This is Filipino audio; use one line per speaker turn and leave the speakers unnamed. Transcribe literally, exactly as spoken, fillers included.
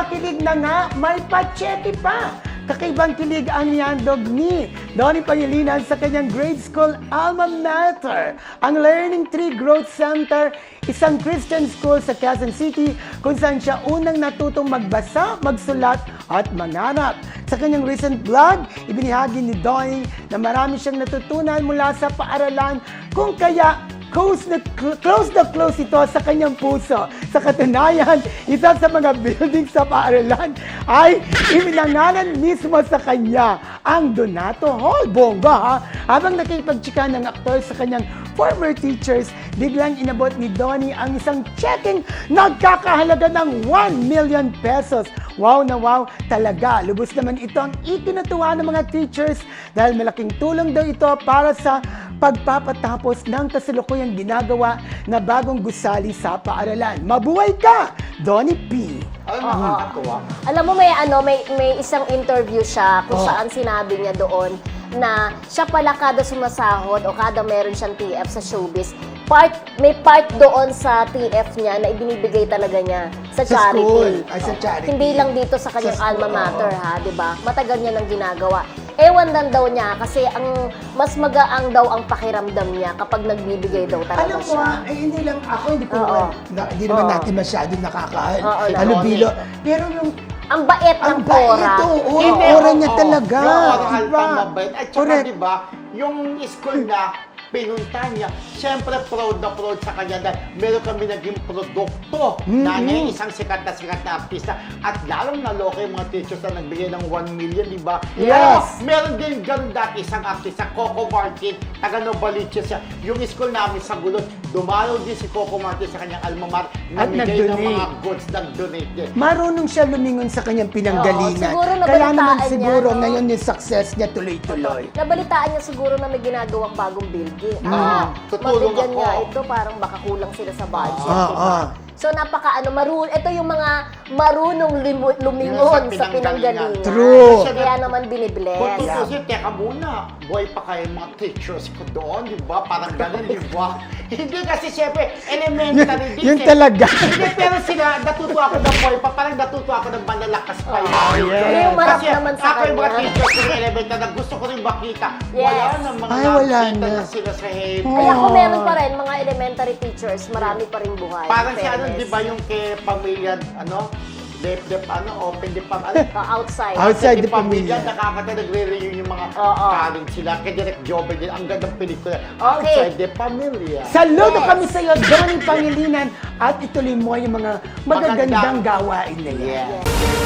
Nagpakilig na nga, may pachete pa. Kakaibang kilig ang niyandog ni Donnie Pangilinan sa kanyang grade school alma mater, ang Learning Tree Growth Center, isang Christian school sa Quezon City kung saan siya unang natutong magbasa, magsulat at mangarap. Sa kanyang recent vlog, ibinahagi ni Donnie na marami siyang natutunan mula sa paaralan kung kaya Close na, close na close ito sa kanyang puso. Sa katunayan, isa sa mga building sa paaralan ay iminangalan mismo sa kanya ang Donato Hall. Bongga ha! Habang nakipagtsika ng aktor sa kanyang former teachers, biglang inabot ni Donnie ang isang checking nagkakahalaga ng one million pesos. Wow na wow talaga. Lubos naman ito ang ikinatuwa ng mga teachers dahil malaking tulong daw ito para sa pagpapatapos ng kasalukuyang ginagawa na bagong gusali sa paaralan. Mabuhay ka, Donnie P.
Alam mo, nakakatuwa.
Alam mo, may ano, may may isang interview siya kung
Oh.
saan sinabi niya doon na siya pala kada sumasahod o kada meron siyang T F sa showbiz, part may part doon sa T F niya na ibinibigay talaga niya sa
Sa
charity.
school. Ay, sa charity.
Hindi lang dito sa kanyang
Sa school,
alma mater,
oo.
ha, 'di ba? Matagal niya nang ginagawa. Ewan lang daw niya kasi ang mas magaang daw ang pakiramdam niya kapag nagbibigay daw talaga
Alam mo,
siya.
ah, eh, hindi lang ako, hindi ko
Oo.
na, hindi naman
Oo.
natin masyadong nakakahan.
Oo,
Ano,
Donnie.
bilo. Pero yung
Ang bait
ang
ng
bait
Cora.
ito, oo,
Hindi,
aura
oo,
niya
oo.
talaga.
Yung oral
Diba?
pang mabait. At saka,
Correct.
di ba, yung school na pinunta niya, siyempre proud na proud sa kanya dahil meron kami naging produkto na niya, isang sikat na sikat na artista. At lalong naloka yung mga teachers na nagbigay ng one million, di ba?
Yes.
Alam mo, meron din ganun dati isang artista, Coco Martin, taga Novaliches siya. Yung school namin sa Gulon, dumalaw din si Coco Martin sa kanyang alma mater,
At
namigay ng
nag-donate.
mga goods, nag-donate din.
Marunong siya lumingon sa kanyang pinanggalingan.
Oo, siguro
Kaya
nabalitaan
naman
niya,
siguro
no?
ngayon yung success niya tuloy-tuloy.
Nabalitaan niya siguro na may ginagawang bagong building. Ah,
tutulong
mabigyan
ako.
niya ito, parang baka kulang sila sa budget.
Ah,
diba?
ah.
So napaka ano, marun ito yung mga marunong limu- lumingon
Yung
sa
sa pinanggalingan.
pinanggalingan.
True.
Kaya naman binibless.
Kung tutusin, teka muna, buhay pa kayo mga teachers ko doon, di ba? Parang ganun, di ba? Hindi kasi siyempre, elementary din.
Yun
eh.
talaga.
Hindi, pero sila, natuto ako ng buhay pa, parang natuto ako ng malalakas pa yun.
Oh, yes.
Pero yung marap
Kasi
naman sa
ako yung mga
kanya.
teachers ko ng elementary na gusto ko rin makita.
Yes.
Wala na, mga
Ay, wala
nakita
na.
na sila sa Haven.
Oh.
Kaya kung meron pa rin mga elementary teachers, marami pa rin buhay.
Parang
in
si ano,
fairness.
di ba yung kay pamilya, ano, left, left, ano, open, di pa, ano,
Uh, outside.
Outside the
Kasi pamilya,
pamilya.
nakakata nagre-reunion yung mga
Oo.
talent sila. Kay Direk Jobel din, ang gandang pelikula.
Okay.
Outside the Pamilya.
Saludo
Yes.
kami sa iyo, Donnie Pangilinan, at ituloy mo yung mga magagandang
Magandang-
gawain na yan.
Yeah.
Yes.